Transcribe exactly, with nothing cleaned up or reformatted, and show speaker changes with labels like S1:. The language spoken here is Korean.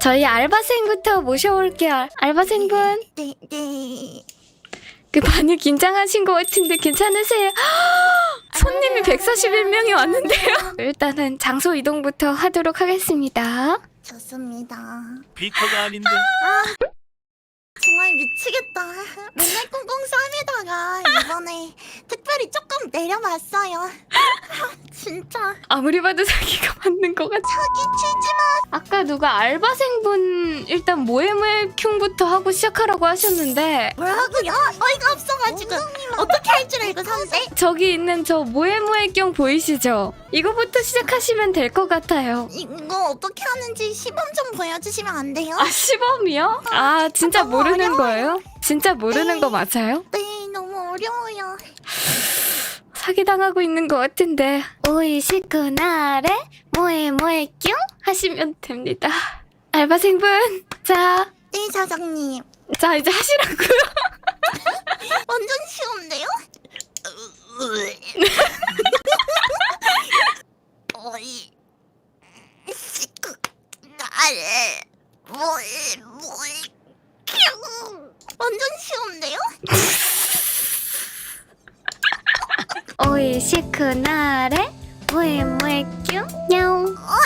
S1: 저희 알바생부터 모셔올게요. 알바생분.
S2: 네, 네.
S1: 그 많이 긴장하신 것 같은데 괜찮으세요? 손님이 백사십일 명이 왔는데요. 일단은 장소 이동부터 하도록 하겠습니다.
S2: 좋습니다.
S3: 비커가 아닌데.
S2: 정말 미치겠다. 맨날 꽁꽁 싸매다가 이번에 특별히 조금 내려봤어요. 아, 진짜
S1: 아무리 봐도 사기가 맞는 것 같아.
S2: 사기 치지 마.
S1: 아까 누가 알바생분 일단 모에모에켐부터 하고 시작하라고 하셨는데
S2: 뭐라고요? 어이가 없어가지고 어떻게 할 줄 알고 선배?
S1: 저기 있는 저 모에모에켐 보이시죠? 이거부터 시작하시면 될 것 같아요.
S2: 이거 어떻게 하는지 시범 좀 보여주시면 안 돼요?
S1: 아 시범이요? 아 진짜
S2: 너무
S1: 모르는
S2: 어려워요.
S1: 거예요? 진짜 모르는
S2: 네.
S1: 거 맞아요?
S2: 네, 너무 어려워요.
S1: 사기당하고 있는 것 같은데 오이시쿠 나래 모에모에뀨 하시면 됩니다. 알바생분 자,
S2: 네, 사장님.
S1: 자 이제 하시라고요.
S2: 완전 쉬운데요? 어이 시끄 나를 뭐이 뭐이 완전 쉬운데요?
S1: 오이시쿠 나래 모에모에뀨 냐옹.
S2: 어